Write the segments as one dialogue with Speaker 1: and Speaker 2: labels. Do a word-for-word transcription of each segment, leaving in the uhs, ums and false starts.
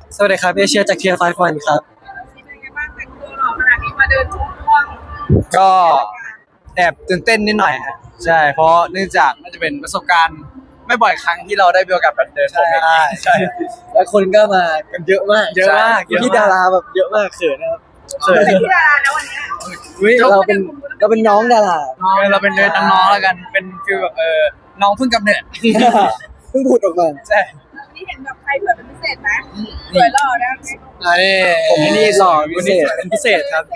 Speaker 1: สวัสดีครับเอเชียจากเทียร์ไฟฟ์วันครับ
Speaker 2: เป็นไงบ้างแต่งตัวหล่อขนาดนี้มาเดินทุ่งม่วง
Speaker 3: ก็แอบตื่นเต้นนิดหน่อยฮะใช่เพราะเนื่องจากน่าจะเป็นประสบการณ์ไม่บ่อยครั้งที่เราได้มีโอกาสแบบเดินผมเองใช่
Speaker 1: แล้วคนก็มากันเยอะมาก
Speaker 3: เยอะมาก
Speaker 1: เยอะพี่ดาราแบบเยอะมากเขินนะครับ
Speaker 3: เขิน
Speaker 2: เป็นที่ดาราแล้ววันนี้
Speaker 3: อุ๊ย
Speaker 1: เราเป็นเราเป็นน้องดารา
Speaker 3: เราเป็นเดินน้องๆแล้วกันเป็นฟีลแบบเออน้องเพิ่งกำเนิด
Speaker 1: เพิ่งพูดออกมา
Speaker 3: ใช่
Speaker 2: วันนี้เห็นแบบใครเผื่อเป็นพิเศษไหมสวยหล่อนะ
Speaker 3: อันนี้
Speaker 1: ผมนี่หล่อพิเศษเป็นพิเศษครับ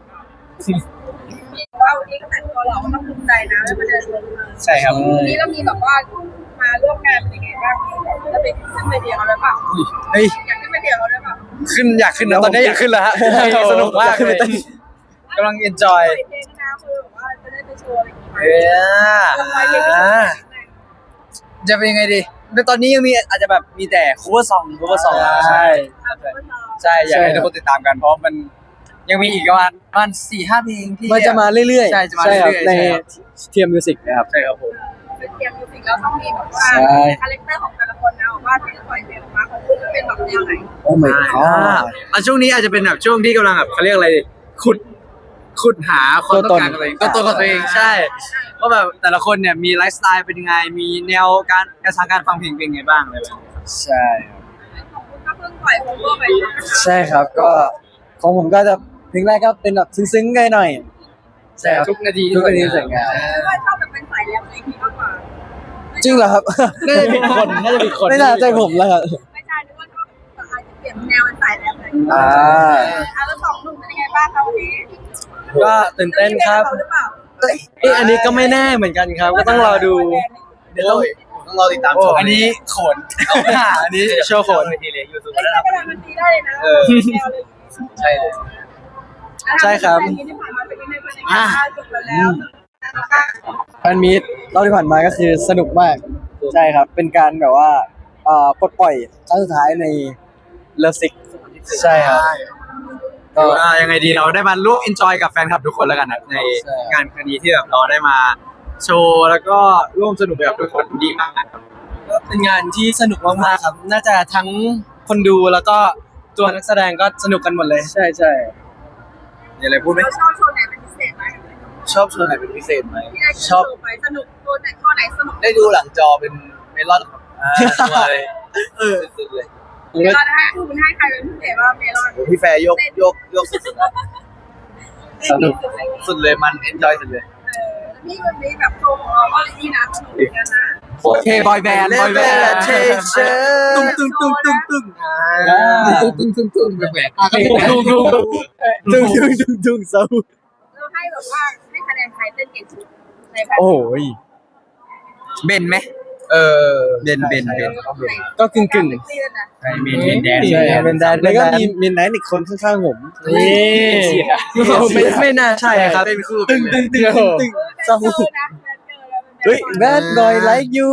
Speaker 2: ว่าวันนี้ก็แต่งตัวหล่อก็ต้องภูมิใจนะแล้วมาเดิน
Speaker 3: ใช่ครับ
Speaker 2: วันนี้เรามีแบบว่ามาร่วมงานเป็นยังไงบ้างจะไปขึ้นไปเดียวเขาหรือเปล่า
Speaker 3: เฮ้ย
Speaker 2: อยากขึ้นไปเดียวเขาหรือเปล่า
Speaker 3: ขึ้นอยากขึ้นนะตอนนี้อยากขึ้นแล้วฮะสนุกมากเลยกำลังเอนจอย
Speaker 2: เพลงนะคือแบบว่าจะได้ไปโชว์อะไรอย่างเงี้ย
Speaker 3: เออจะเป็นยังไงดีแต่ตอนนี้ยังมีอาจจะแบบมีแต่ cover song cover song ใช่ ใช่อยากให้ทุกคนติดตามกันเพราะมันยังมีอีกประมาณประมาณสี่ห้าเพลงที่
Speaker 1: มันจะมาเรื่อยๆ
Speaker 3: ใช่จะมา
Speaker 1: ค
Speaker 3: เรื่
Speaker 1: รับ
Speaker 3: อยๆ
Speaker 1: ใน
Speaker 3: ใช่ครับ
Speaker 1: เทียมมิวสิกนะครับ
Speaker 3: ใช่ครับผม
Speaker 2: เป็นเตรียมมิวสิกแล้วต้องมีแบบว่า
Speaker 1: ใช่
Speaker 2: คาแรคเตอร์ของแต่ละคนนะว่าที่ปล่อยเพลงออกมาของคุณจะเป็นแบบแนวไหน
Speaker 1: โอ้ my
Speaker 3: อ่า
Speaker 1: god
Speaker 3: อ่ะช่วงนี้อาจจะเป็นแบบช่วงที่กำลังแบบเขาเรียกอะไรขุดขุดหาความต้องการของตัวเองตัวตนของตัวเองใช่ว่าแบบแต่ละคนเนี่ยมีไลฟ์สไตล์เป็นยังไงมีแนวการแนวทางการฟังเพลงเป็นยังไงบ้างอะไรแบบนี้
Speaker 1: ใช่ครับ
Speaker 2: ของคุณก็เพิ่งปล่อยโคเวอร์ไปนะคะ
Speaker 1: ใช่ครับก็ของผมก็จะเพลงแรกก็เป็นแบบซึ้งๆกันหน่อยใช่ครับ
Speaker 3: ทุกนาที
Speaker 1: ทุกนาทีสวยงาม
Speaker 2: ว่าชอบแบบเป็นสายแรปอะไรอย่างงี้มากกว่า
Speaker 1: จริงเหรอครับ
Speaker 3: น่าจะผิดคนน่าจะผิดคน
Speaker 1: ไม่น่าใจผมแล้วครับ
Speaker 2: ไม่ใช่นึกว่าชอบแบบอาจจะเปลี่ยนแนวเป็นสายแรปอะไรอย่างงี้
Speaker 1: อ่า
Speaker 2: อ่ะแล้วสองหนุ่มเป็นยังไงบ้างคะวันนี้
Speaker 1: ก็ตื่นเต้นครับ
Speaker 2: จะมีเพลงของเขาหรือเปล่า
Speaker 1: เอ้ยอันนี้ก็ไม่แน่เหมือนกันครับ ก็ต้องรอดู
Speaker 3: เดี๋ยวต้องต้องรอติดตามชมอันนี้โขนเอาหน้าอันนี้โชว์โขนทีเลยยูทูบ
Speaker 2: ไม่ใช่กระดานมันตีได้เลยนะ
Speaker 3: เออ
Speaker 2: แนวเลย
Speaker 3: ใช่เลย
Speaker 1: ใช่ครับ
Speaker 2: อันนี้ที่ผ่านมาเป็นยังไงบ้างอ่ะจบแล้ว
Speaker 1: แฟนมีตรอบที่ผ่านมาก็คือสนุกมาก ใช่ครับ เป็นการแบบว่าเอ่อปลดปล่อยครั้งสุดท้ายในเลิฟซิกใช่ครับ
Speaker 3: ก็ยังไงดีเราได้มาร่วมเอนจอยกับแฟนคลับทุกคนแล้วกันนะใน
Speaker 1: ใช่
Speaker 3: งานครั้งนี้ที่แบบเราได้มาโชว์แล้วก็ร่วมสนุกไปกับทุกคนดีมากครับ
Speaker 1: ก็เป็นงานที่สนุกมากๆครับ น่าจะทั้งคนดูแล้วก็ตัวนักแสดงก็สนุกกันหมดเลย ใช่ใช่
Speaker 3: มีอะไรพูดไหม
Speaker 2: เราชอบโชว์ไหนเป็นพิเศษไหม
Speaker 3: ชอบโชว์ไหนเป็นพิเศษไหม
Speaker 2: ที่ได้โชว์ไปสนุกตัวไหนข้อไหนสนุก
Speaker 3: ได้ดูหลังจอเป็นเมลอนครับอ่าตัวเลยเออสุดเลย
Speaker 2: เมลอนให้คุณให้ใครเป็นพิเศษว่าเมลอน
Speaker 3: พี่แฟร์ยกยกยกสุดๆนะสนุกสุดเลยมันเอนจอยสุดเลย
Speaker 2: เออนี่วันนี้แบบโชว์ของเราก็นี่นะสนุกเหมือนกันนะ
Speaker 3: โอเคบอยแบนด์บอยแบนด์ตุ้งตุ้งตุ้งตุ้งตุ้งตุ้งตุ้งตุ้งตุ้งแปลกๆตุ้งตุ้งตุ้ง
Speaker 1: ดึงดึงดึงดึงเซา
Speaker 2: เราให้แบบว่าให้คะแนนใครเต้นเก่งสุดในแพท
Speaker 1: โอ้ย
Speaker 3: เบนไหมเออเบนเบนเบน
Speaker 1: ก็กึ่งกึ่ง
Speaker 2: เต้นนะ
Speaker 3: ใช่เบนเบนแดน
Speaker 1: ใช่ครับเป็นแดนแล้วก็มีมีไนท์อีกคนข้างๆผมนี่ไม่ไม่น่าใช่ครับ
Speaker 3: เป็นคู่
Speaker 1: ตึงตึงตึงตึงตึง
Speaker 2: เจ้านะ
Speaker 1: เฮ้ย bad boy like you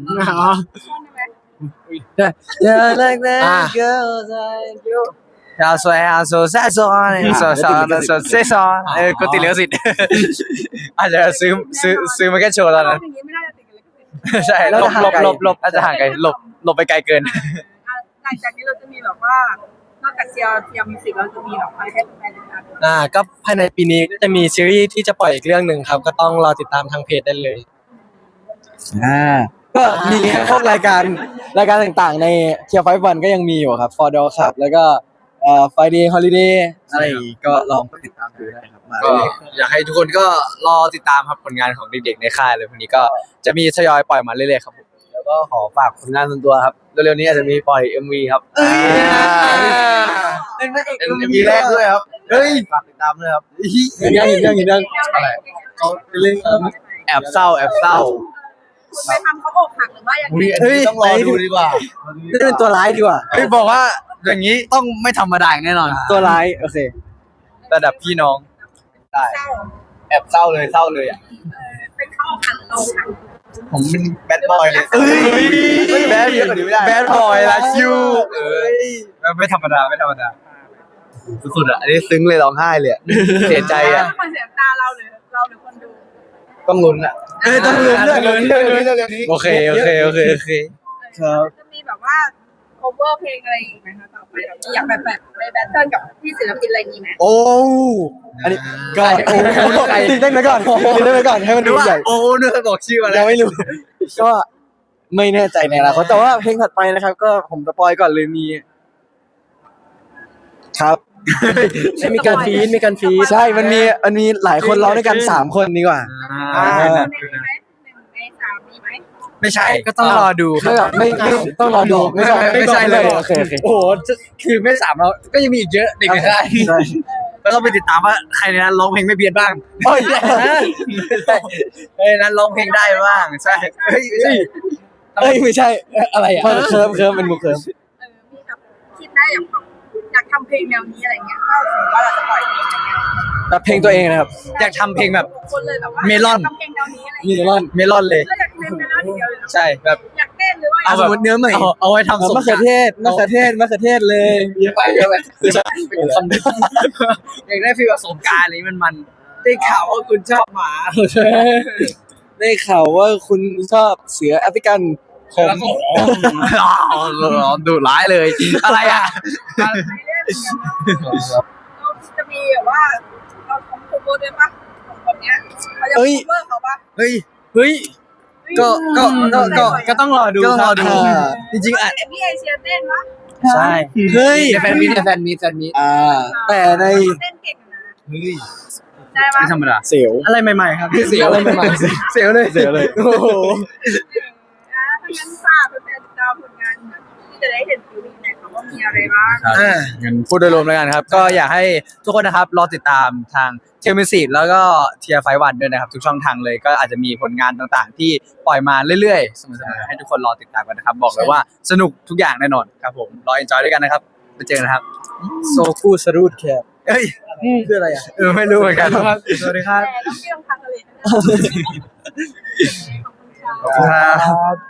Speaker 1: อย่า like that girls like you
Speaker 3: ยาวสวยยาวสวยแซ่ซอนสวยสวยสวยเซ่ซอนเออกูติดเลี้ยวสิอาจจะซื้อซื้อซื้อมาแค่โชว์ตอนนั้น
Speaker 2: อย่างนี้ไม่น่าจะติดกันเลย
Speaker 3: ใช่หลบหลบหลบหลบอาจจะห่างไกลหลบหลบไปไกลเกิน
Speaker 2: หลังจากนี้เราจะมีแบบว่านอกจากเทียร์เทียร์มิวสิกเราจะมีแบบอะไรให้แฟนๆดู
Speaker 1: อ่าก็ภายในปีนี้ก็จะมีซีรีส์ที่จะปล่อยอีกเรื่องหนึ่งครับ ก็ต้องรอติดตามทางเพจได้เลยอ่าก็มีพวกรายการรายการต่างๆ ในเทียร์ไฟวันก็ยังมีอยู่ครับ For Door ครับแล้วก็เอ่อ Friday Holiday อะไรอย่างงี้ก็ลองไปติดตามดูได้ครับมา
Speaker 3: ก็
Speaker 1: เลย
Speaker 3: อยากให้ทุกคนก็รอติดตามครับผลงานของเด็กๆในค่ายเลยพวกนี้ก็จะมีทยอยปล่อยมาเรื่อยๆครับผมแล้วก็ขอฝากผลงานส่วนตัวครับเร็วๆนี้อาจจะมีปล่อย เอ็ม วี ครับ
Speaker 1: เป็นพระเอก
Speaker 3: เป็น เอ็ม วี แรกด้วยครับเฮ้ยฝากติดตามด้วยครับ
Speaker 1: เห็นยังเห็นยังเห็นยัง
Speaker 3: อะไร
Speaker 1: เขาเล่น
Speaker 3: แอบเศร้าแอบเศร้า
Speaker 2: คุณไปทำเขาอกหักหรือว่ายังไง
Speaker 3: เฮ้ยต้องรอดูดีกว่า
Speaker 1: นี่เป็นตัวร้ายดีกว่า
Speaker 3: เฮ้ยบอกว่าอย่างนี้ต้องไม่ธรรมดาแน่นอน
Speaker 1: ตัวร้ายโอเค
Speaker 3: ระดับพี่น้องได้
Speaker 2: เศร้า
Speaker 3: แอบเศร้าเลยเศร้าเลยอ่ะ
Speaker 2: เป็นเขาอกหักหรือเราอกหัก
Speaker 3: ผมเป็นแบดบอยเลยเอ้ยแบดแบดบอยละคิวเอ้ยไม่ธรรมดาไม่ธรรมดาสุดๆอ่ะอันนี้ซึ้งเลยร้องไห้เลยเสียใจอ่ะ
Speaker 2: ต้องมาเสียตาเราหรือเราหรือคนดู
Speaker 3: ต้องลุ้นอ่ะ
Speaker 1: เอ้ยต้องลุ้นด้วย
Speaker 3: เร็วนี้เร็วนี้เร็วนี้
Speaker 1: โอเคโอเคโอเคโอเค ครับ
Speaker 2: จะมีแบบว่าโค cover เพลงอะไรอีกไหมคะต่อไปแบบอยากแบบแบบไปแบทเทิลกับพี่ศิลปินอะไรนี้ไหม
Speaker 1: โอ้อันนี้ก็โอ้โหตื่นเต้นไปก่อนตื่นเต้นไปก่อนให้มัน
Speaker 3: ดู
Speaker 1: ดู
Speaker 3: ว่า
Speaker 1: ใหญ่
Speaker 3: โอ้เนี่ยบอกชื่อมาแล้
Speaker 1: ยั
Speaker 3: ว
Speaker 1: งไม่รู้ ก็ไม่แน่ใจในอนาคตแต่ว่าเพลงถัดไปนะครับ ก็ผมสปอยก่อนเลยมี ครับ
Speaker 4: มีการฟีดมีการฟีด
Speaker 1: ใช่ มันมีมันมีหลายคนร้องด้วยกันสามคนดีกว่า
Speaker 3: อ่า
Speaker 2: หนึ่งในนี้ไหมหนึ่งในสามนี้ไหม
Speaker 3: ไม่ใช่ก็ต้องรอดูค
Speaker 1: ไม่
Speaker 3: รับ
Speaker 1: ไม่ไม่ต้องรอดูไม่ใช่
Speaker 3: ไม่ใช่เลย
Speaker 1: โอเคโอเค
Speaker 3: โอ้โหคือไม่สามเราก็ยังมีอีกเยอะเด็กในค่าย
Speaker 1: ใช่
Speaker 3: ก็ต้องไปติดตามว่าใครในนั้นร้องเพลงไม่เบียดบ้าง
Speaker 1: เฮ้ย
Speaker 3: ใครในนั้นร้องเพลงได้บ้างใช่เฮ้ยไม่ใช่
Speaker 1: เอ้ยไม่ใช่
Speaker 4: อะไรอ่ะ
Speaker 1: มันเคิร์ฟเคิร์ฟเป็นมุกเคิร์ฟ
Speaker 2: เออมีแบบคิดได้อย่างแบบอยากทำเพลงแนวนี้อะไรเงี้ยถ้าสมมติว่าเราจะปล่อยเพลงอะไรเงี้ย
Speaker 1: แต่เพลงตัวเองนะครับ
Speaker 3: อยากทำเพลงแบบ
Speaker 2: คนเลยแบบว่า
Speaker 3: เมลอน
Speaker 2: ทำเพลงแนวนี้อะไร
Speaker 1: มี
Speaker 2: เงี้ย
Speaker 1: เมลอน
Speaker 3: เมลอนเลย
Speaker 2: ก็อยากเล่นเมลอนทีเดียวเลยเหรอ
Speaker 3: ใช่แบบ
Speaker 2: อยากเต้นหรือว่า
Speaker 3: เอาสมมติเนื้อใหม่เอาเอาไว้ทำสง
Speaker 1: มะเขือเทศมะเขือเทศมะเขือเทศเลยเยอะไปเยอะไป
Speaker 3: เป็นคำนี้อยากได้ฟีลแบบสงกรารอะไรนี้มันมันได้ข่าวว่าคุณชอบหมา
Speaker 1: ได้ข่าวว่าคุณชอบเสือแอฟริกันผม
Speaker 3: แล้วก็อ๋อดูร้ายเลยอะไรอ่ะ
Speaker 2: ไปเล่นอย่างเงี้ยเราจะมีแบบว่าเราทำโคเวอร์ด้วยปะของคนเนี้ยเราจะโคเวอร์เขาปะ
Speaker 3: เฮ้ยเฮ้ย ก็ก็ก็ก็
Speaker 4: ก็ต้องรอดู
Speaker 3: ก็รอดู
Speaker 1: อ่า
Speaker 3: จริงๆอ่ะ
Speaker 2: เห็นพี่เอเชียเต้นปะ
Speaker 4: ใช่
Speaker 1: เฮ้ย
Speaker 4: ในแฟนมีตในแฟนมีตแฟนมีต
Speaker 1: อ่า แต่ใน
Speaker 2: เต้นเก่งนะ
Speaker 3: เฮ้ย
Speaker 2: ได้ปะ
Speaker 3: ไม่ธรรมดา
Speaker 1: เสียว
Speaker 4: อะไรใหม่ๆครับ
Speaker 1: เสียวอะไรใหม่ๆเสียวเลยเสียวเลยโอ้โห
Speaker 2: อ่าถ้างั้นฝากแฟนๆติดตามผลงานที่จะได้เห็นซีรีส์ไหนคะว่ามีอะไรบ้าง
Speaker 3: อ่างั้นพูดโดยรวมแล้วกันครับ ก็อยากให้ทุกคนนะครับรอติดตามทางเทลมิสิแล้วก็เทียร์ไฟวันด้วยนะครับ ทุกช่องทางเลยก็อาจจะมีผลงานต่างๆ ที่ปล่อยมาเรื่อยๆเสมอๆให้ทุกคนรอติดตามกันนะครับ บอกเลยว่าสนุกทุกอย่างแน่นอนครับผมรอเอนจอยด้วยกันนะครับไปเจอกันนะครับ
Speaker 1: โซคูสรูดแคป
Speaker 3: เอ้ย
Speaker 1: คืออะไรอ่ะ
Speaker 3: เออไม่รู้เหมือนกัน
Speaker 4: สวัสดีครับ
Speaker 2: แต่ต้องเตรียมทางทะเลนะขอบคุณค่ะ
Speaker 3: ขอบคุณครับ